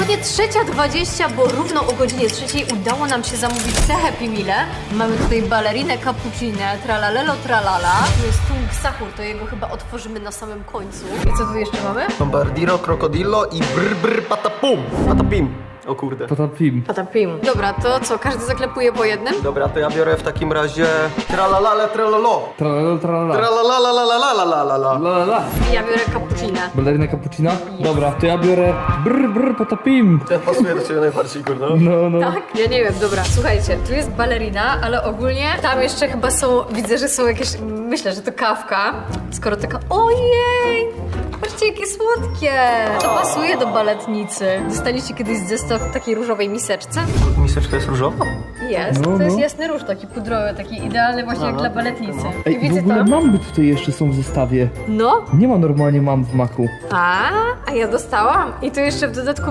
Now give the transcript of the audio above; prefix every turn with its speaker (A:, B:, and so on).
A: dokładnie 3:20, bo równo o godzinie 3:00 udało nam się zamówić te Happy Meale. Mamy tutaj balerinę cappuccinę, tralalelo tralala. Tu jest tung sahur, to jego chyba otworzymy na samym końcu. I co tu jeszcze mamy?
B: Bombardiro, krokodillo i brr patapum. Patapim. O kurde.
C: Patapim.
A: Patapim. Dobra, to co, każdy zaklepuje po jednym?
B: Dobra, to ja biorę w takim razie tralalale tralolo.
C: Tralala, tralala.
B: Tralalalalalalalalala.
C: La, la.
A: Ja biorę cappuccinę.
C: Balerina cappuccina? Dobra, to ja biorę brr patapim.
B: Ten pasuje do ciebie najbardziej, kurde.
C: No.
A: Tak? Ja nie wiem, dobra, słuchajcie, tu jest balerina, ale ogólnie tam jeszcze chyba są, widzę, że są jakieś, myślę, że to kawka, skoro taka, ojej, patrzcie jakie słodkie, to pasuje do baletnicy. Dostaliście kiedyś zestaw w takiej różowej miseczce?
B: Miseczka jest różowa?
A: Jest,
C: No,
A: to jest
C: no.
A: jasny róż, taki pudrowy, taki idealny właśnie jak dla baletnicy. I
C: Ej, w
A: widzę
C: ogóle
A: tam,
C: mamby tutaj jeszcze są w zestawie.
A: no,
C: Nie ma normalnie mam w maku.
A: a ja dostałam i tu jeszcze w dodatku